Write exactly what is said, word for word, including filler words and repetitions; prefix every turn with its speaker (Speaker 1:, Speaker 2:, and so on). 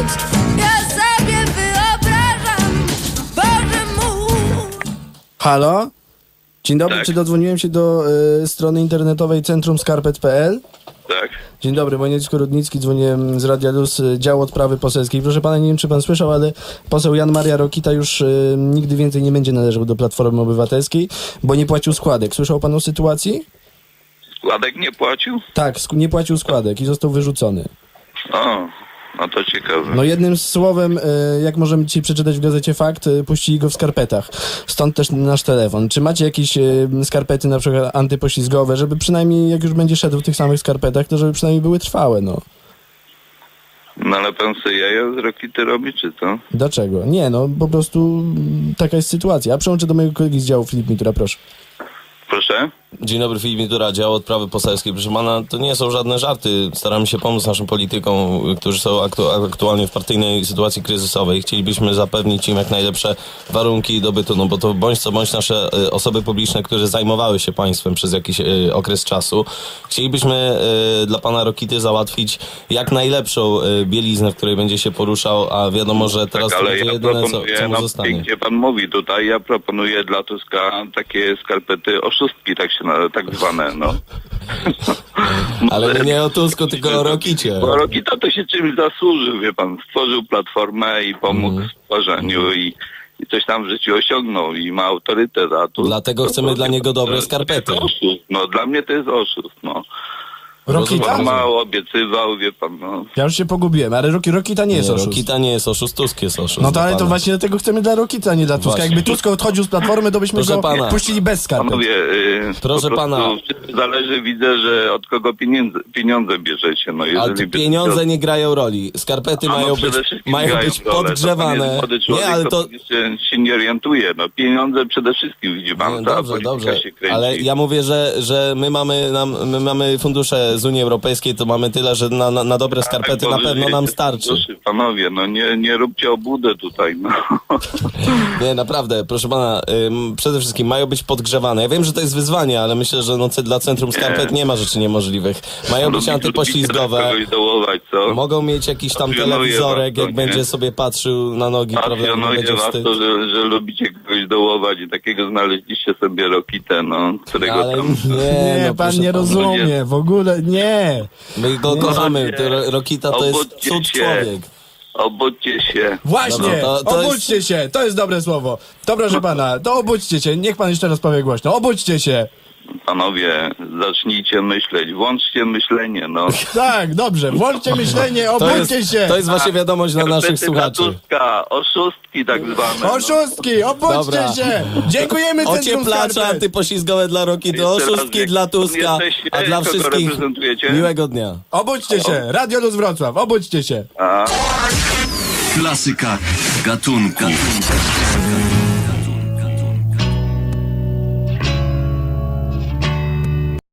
Speaker 1: cud, ja sobie wyobrażam, Boże mój.
Speaker 2: Halo? Dzień dobry,
Speaker 3: Tak.
Speaker 2: czy dodzwoniłem się do y, strony internetowej centrum skarpet kropka p l?
Speaker 3: Tak.
Speaker 2: Dzień dobry, Wojciech Rudnicki, dzwonię z Radia Luz, y, dział odprawy poselskiej. Proszę pana, nie wiem, czy pan słyszał, ale poseł Jan Maria Rokita już y, nigdy więcej nie będzie należał do Platformy Obywatelskiej, bo nie płacił składek. Słyszał pan o sytuacji?
Speaker 3: Składek nie płacił?
Speaker 2: Tak, sk- nie płacił składek i został wyrzucony.
Speaker 3: O, no to ciekawe.
Speaker 2: No jednym słowem, y, jak możemy dzisiaj przeczytać w gazecie Fakt, y, puścili go w skarpetach. Stąd też nasz telefon. Czy macie jakieś y, skarpety na przykład antypoślizgowe, żeby przynajmniej jak już będzie szedł w tych samych skarpetach, to żeby przynajmniej były trwałe, no.
Speaker 3: No ale pan sobie jaja z Rokity robi, czy co?
Speaker 2: Dlaczego? Nie, no po prostu mm, taka jest sytuacja. A przełączę do mojego kolegi z działu, Filip Mitura, proszę.
Speaker 3: Proszę?
Speaker 4: Dzień dobry, Filip Mitura, dział odprawy poselskiej. Proszę pana, to nie są żadne żarty. Staramy się pomóc naszym politykom, którzy są aktu- aktualnie w partyjnej sytuacji kryzysowej. Chcielibyśmy zapewnić im jak najlepsze warunki dobytu, no bo to bądź co bądź nasze y, osoby publiczne, które zajmowały się państwem przez jakiś y, okres czasu. Chcielibyśmy y, dla pana Rokity załatwić jak najlepszą y, bieliznę, w której będzie się poruszał, a wiadomo, że teraz
Speaker 3: Tak,
Speaker 4: to
Speaker 3: ale
Speaker 4: będzie
Speaker 3: ja
Speaker 4: jedyne, co,
Speaker 3: proponuję,
Speaker 4: co mu
Speaker 3: no
Speaker 4: zostanie.
Speaker 3: pięknie pan mówi tutaj, ja proponuję dla Tuska takie skarpety oszustki, tak się na, tak zwane, no.
Speaker 4: Ale nie o Tusku, tylko o Rokicie.
Speaker 3: Bo Rokita to się czymś zasłużył, wie pan, stworzył platformę i pomógł
Speaker 4: Mm.
Speaker 3: w stworzeniu i, i coś tam w życiu osiągnął i ma autorytet, a tu...
Speaker 4: Dlatego chcemy dla niego dobre
Speaker 3: to
Speaker 4: skarpety.
Speaker 3: jest oszust, no dla mnie to jest oszust, no.
Speaker 2: Rokita?
Speaker 3: On mało obiecywał, wie pan, no.
Speaker 2: Ja już się pogubiłem, ale Roki, Rokita nie jest
Speaker 4: Nie,
Speaker 2: oszust.
Speaker 4: Rokita nie jest oszust, Tusk jest oszust.
Speaker 2: No to ale to
Speaker 4: pana.
Speaker 2: właśnie dlatego chcemy dla Rokita, a nie dla Tuska.
Speaker 4: Właśnie.
Speaker 2: Jakby Tusk odchodził z Platformy, to byśmy
Speaker 4: Proszę
Speaker 2: go
Speaker 4: pana.
Speaker 2: puścili bez skarpet.
Speaker 3: Panowie, yy,
Speaker 4: Proszę
Speaker 3: po prostu
Speaker 4: pana.
Speaker 3: zależy, widzę, że od kogo pieniądze, pieniądze bierzecie. No,
Speaker 4: A
Speaker 3: jeżeli
Speaker 4: tu
Speaker 3: by-
Speaker 4: pieniądze nie grają roli. Skarpety
Speaker 3: A no,
Speaker 4: mają
Speaker 3: przede
Speaker 4: być,
Speaker 3: wszystkim
Speaker 4: mają
Speaker 3: grają
Speaker 4: być
Speaker 3: rolę. To pan
Speaker 4: podgrzewane.
Speaker 3: jest młody człowiek,
Speaker 4: Nie, ale to...
Speaker 3: jeszcze się nie orientuje. No, pieniądze przede wszystkim, widzi pan,
Speaker 4: Nie,
Speaker 3: ta
Speaker 4: dobrze,
Speaker 3: polityka
Speaker 4: dobrze,
Speaker 3: się kręci.
Speaker 4: ale ja mówię, że, że my, mamy, nam, my mamy fundusze z Unii Europejskiej, to mamy tyle, że na, na, na dobre skarpety
Speaker 3: Tak,
Speaker 4: na
Speaker 3: bo
Speaker 4: pewno
Speaker 3: wy
Speaker 4: nam
Speaker 3: wiecie,
Speaker 4: starczy.
Speaker 3: Proszę, panowie, no nie, nie róbcie obłudę tutaj, no.
Speaker 4: Nie, naprawdę, proszę pana, ym, przede wszystkim mają być podgrzewane. Ja wiem, że to jest wyzwanie, ale myślę, że no, ce- dla Centrum Skarpet nie ma rzeczy niemożliwych. Mają być
Speaker 3: Lubicie-
Speaker 4: antypoślizgowe.
Speaker 3: lubicie kogoś dołować, co?
Speaker 4: Mogą mieć jakiś tam
Speaker 3: Pasjonuje
Speaker 4: telewizorek,
Speaker 3: was to,
Speaker 4: jak
Speaker 3: nie?
Speaker 4: będzie sobie patrzył na nogi, prawda? Nie
Speaker 3: Pasjonuje
Speaker 4: będzie
Speaker 3: was
Speaker 4: wstyd.
Speaker 3: to, że, że lubicie kogoś dołować i takiego znaleźliście sobie Rokitę, no, którego
Speaker 4: Ale
Speaker 3: tam...
Speaker 4: nie,
Speaker 2: Nie,
Speaker 4: no,
Speaker 2: pan
Speaker 4: proszę
Speaker 2: nie
Speaker 4: pana.
Speaker 2: rozumie, w ogóle nie.
Speaker 4: My go kochamy, to Ro- Rokita to jest
Speaker 3: Obudźcie
Speaker 4: cud
Speaker 3: się.
Speaker 4: człowiek.
Speaker 3: Obudźcie się.
Speaker 2: Właśnie,
Speaker 4: Dobra, to- to
Speaker 2: obudźcie się, to jest dobre słowo. To proszę pana, to obudźcie się, niech pan jeszcze raz powie głośno, obudźcie się.
Speaker 3: Panowie, zacznijcie myśleć, włączcie myślenie, no.
Speaker 2: Tak, dobrze, włączcie myślenie,
Speaker 4: To
Speaker 2: obudźcie
Speaker 4: jest,
Speaker 2: się.
Speaker 4: to jest właśnie wiadomość dla naszych
Speaker 3: Skarpety dla
Speaker 4: słuchaczy.
Speaker 3: Tuska, oszustki tak zwane. No.
Speaker 2: Oszustki, obudźcie
Speaker 4: Dobra.
Speaker 2: się. Dziękujemy Centrum
Speaker 4: Ocieplacze
Speaker 2: Skarpet.
Speaker 4: antypoślizgowe dla Rokity,
Speaker 3: Jeszcze raz,
Speaker 4: oszustki
Speaker 3: jak
Speaker 4: dla Tuska,
Speaker 3: jesteście,
Speaker 4: a dla
Speaker 3: kogo
Speaker 4: wszystkich
Speaker 3: reprezentujecie?
Speaker 4: miłego dnia.
Speaker 2: Obudźcie się, Radio Luz Wrocław, obudźcie się.
Speaker 3: A.
Speaker 5: Klasyka gatunku.